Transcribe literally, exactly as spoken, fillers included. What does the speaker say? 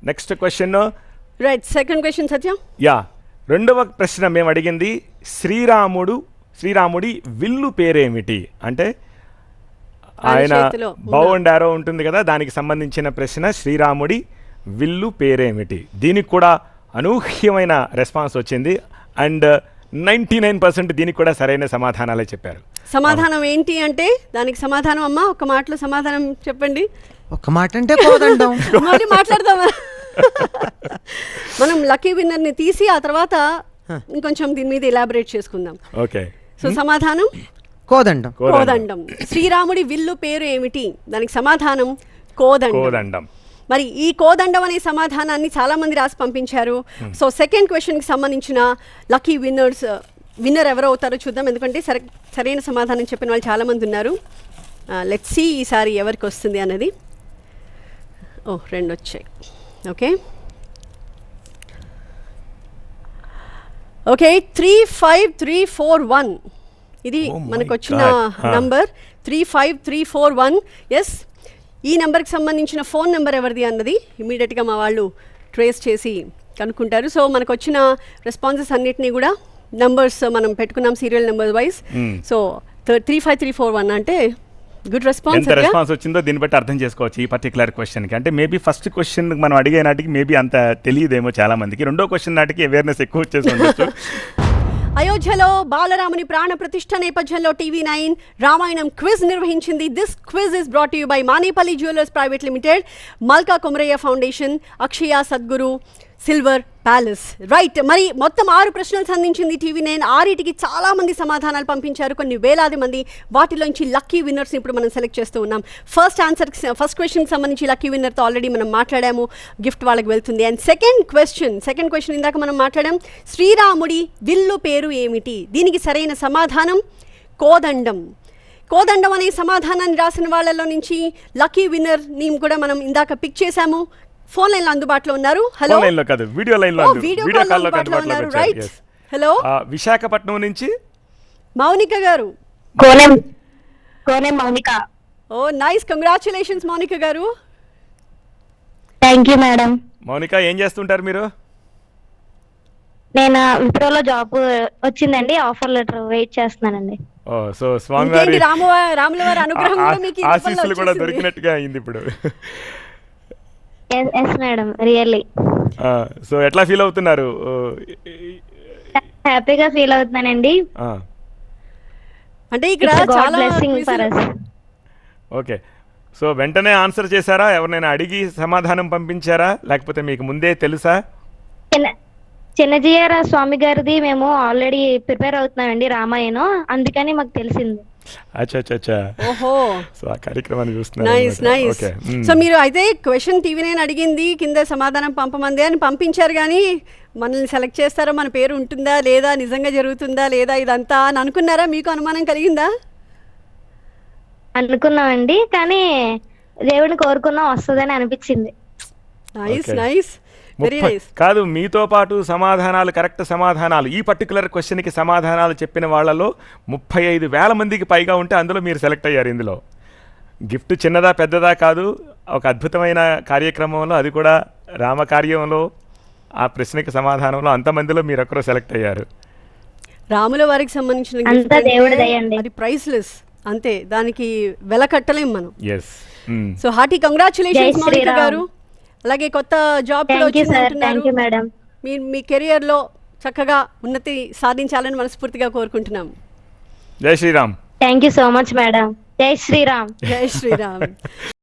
Next question. Right, second question Satya. Yeah, రెండవ ప్రశ్న మేము అడిగింది శ్రీరాముడు శ్రీరాముడి విల్లు పేరేమిటి అంటే ఆయన బౌ అండ్ యారో ఉంటుంది కదా, దానికి సంబంధించిన ప్రశ్న శ్రీరాముడి విల్లు పేరేమిటి. దీనికి కూడా అనూహ్యమైన రెస్పాన్స్ వచ్చింది అండ్ నైంటీ నైన్ పర్సెంట్ దీనికి కూడా సరైన సమాధానాలే చెప్పారు. సమాధానం ఏంటి అంటే దానికి సమాధానం అమ్మా ఒక మాటలో సమాధానం చెప్పండి. ఒక మాట అంటే కోదండం. మళ్ళీ మాట్లాడదామా? మనం లక్కీ విన్నర్ ని తీసి ఆ తర్వాత ఇంకొంచెం దీని మీద ఎలాబరేట్ చేసుకుందాం. ఓకే, సో సమాధానం కోదండం. కోదండం. శ్రీరాముడి విల్లు పేరు ఏమిటి? దానికి సమాధానం కోదండం. కోదండం. మరి ఈ కోదండం అనే సమాధానాన్ని చాలా మంది రాసి పంపించారు. సో సెకండ్ క్వశ్చన్ కి సంబంధించిన లక్కీ విన్నర్స్ విన్నర్ ఎవరు అవుతారో చూద్దాం, ఎందుకంటే సరి సరైన సమాధానం చెప్పిన వాళ్ళు చాలా మంది ఉన్నారు. లెట్స్ సీ ఈసారి ఎవరికి వస్తుంది అన్నది. ఓ రెండు వచ్చాయి. Okay okay three five three four one ఇది మనకు వచ్చిన number. Three five three four one yes, ఈ నెంబర్కి సంబంధించిన ఫోన్ నెంబర్ ఎవరిది అన్నది ఇమీడియట్గా మా వాళ్ళు ట్రేస్ చేసి కనుక్కుంటారు. సో మనకు వచ్చిన రెస్పాన్సెస్ అన్నిటినీ కూడా నంబర్స్ మనం పెట్టుకున్నాం serial number wise. So three five three four one అంటే గుడ్ రెస్పాన్స్. ఎంత రెస్పాన్స్ వచ్చిందో దీన్ని బట్టి అర్థం చేసుకోవచ్చు ఈ పర్టికులర్ క్వశ్చన్కి. అంటే మేబీ ఫస్ట్ క్వశ్చన్ మనం అడిగే నాటికి మేబీ అంత తెలియదేమో చాలా మందికి, రెండో క్వశ్చన్ నాటికి అవేర్నెస్ ఎక్కువ వచ్చేసి ఉండొచ్చు. అయోధ్యలో బాలరాముని ప్రాణ ప్రతిష్ఠ నేపథ్యంలో టీవీ నైన్ రామాయణం క్విజ్ నిర్వహించింది. This quiz is brought you by Manepalli jewellers private limited, Malka Kumarayya foundation, Akshaya Sadguru, silver palace. Right, మరి మొత్తం ఆరు ప్రశ్నలు సంధించింది టీవీ నైన్. ఆరిటికి చాలా మంది సమాధానాలు పంపించారు, కొన్ని వేలాది మంది. వాటిలోంచి లక్కీ విన్నర్స్ ఇప్పుడు మనం సెలెక్ట్ చేస్తూ ఉన్నాం. ఫస్ట్ ఆన్సర్ ఫస్ట్ క్వశ్చన్కి సంబంధించి లక్కీ విన్నర్తో ఆల్రెడీ మనం మాట్లాడాము, గిఫ్ట్ వాళ్ళకి వెళ్తుంది. And second question second question ఇందాక మనం మాట్లాడాం, శ్రీరాముడి విల్లు పేరు ఏమిటి? దీనికి సరైన సమాధానం కోదండం. కోదండం అనే సమాధానాన్ని రాసిన వాళ్ళలో నుంచి లక్కీ విన్నర్ ని కూడా మనం ఇందాక పిక్ చేశాము. ఫోన్ లైన్ లో అందుబాటులో ఉన్నారు. హలో, లైన్ లో కాదు వీడియో లైన్ లో వీడియో కాల్ లో అందుబాటులో ఉన్నారు. రైట్, హలో, విశాఖపట్నం నుంచి మౌనిక గారు. కోనేం కోనేం Mounika. Oh nice, congratulations Mounika గారు. Thank you madam. మౌనిక ఏం చేస్తుంటారు మీరు? నేను విప్రోలో జాబ్ వచ్చిందండి, ఆఫర్ లెటర్ వెయిట్ చేస్తున్నానండి. ఓ సో స్వామివారి రాము రాముల వారి అనుగ్రహం కూడా మీకు ఆశీస్సులు కూడా దొరికినట్టుగా అయింది ఇప్పుడు. Yes madam, really. సో ఎట్లా ఫీల్ అవుతున్నారు? హ్యాపీగా ఫీల్ అవుతున్నానండి. అంటే ఇక్కడ చాలా blessing for us. Okay, so వెంటనే ఆన్సర్ చేశారా? ఎవరినైనా అడిగి సమాధానం పంపించారా లేకపోతే మీకు ముందే తెలుసా? చిన్నజీయర స్వామి గారిది మేము ఆల్రెడీ ప్రిపేర్ అవుతున్నామండి రామాయణం, అందుకని మాకు తెలిసింది. అచ్చా అచ్చా ఓహో, సో ఆ కార్యక్రమాన్ని చూస్తున్నారు. Nice nice. సో మీరు అయితే క్వశ్చన్ టీవీ నైన్ అడిగింది, కింద సమాధానం పంపమంది అని పంపించారు, కానీ మనల్ని సెలెక్ట్ చేస్తారో, మన పేరు ఉంటుందా లేదా, నిజంగా జరుగుతుందా లేదా ఇదంతా అని అనుకున్నారా? మీకు అనుమానం కలిగిందా? అనుకున్నామండి, కానీ దేవుడిని కోరుకున్నా వస్తుందని అనిపించింది. Nice nice, very nice. కాదు, మీతో పాటు సమాధానాలు కరెక్ట్ సమాధానాలు ఈ పర్టికులర్ క్వశ్చన్కి సమాధానాలు చెప్పిన వాళ్ళలో ముప్పై ఐదు వేల మందికి పైగా ఉంటే అందులో మీరు సెలెక్ట్ అయ్యారు. ఇందులో గిఫ్ట్ చిన్నదా పెద్దదా కాదు, ఒక అద్భుతమైన కార్యక్రమంలో, అది కూడా రామకార్యంలో ఆ ప్రశ్నకి సమాధానంలో అంతమందిలో మీరు ఒక్కరూ సెలెక్ట్ అయ్యారు. రాముల వారికి సంబంధించిన అంతా దేవుడి దయ అండి, అది ప్రైస్లెస్ అంతే, దానికి వెల కట్టలేం మనం. Yes, so hearty congratulations Mounika గారు. అలాగే కొత్త జాబ్ లో మేడం, మీరు మీ కెరియర్ లో చక్కగా ఉన్నతి సాధించాలని మనస్ఫూర్తిగా కోరుకుంటున్నాం. జై Shriram. Thank you so much madam. జై శ్రీరామ్. జై శ్రీరామ్.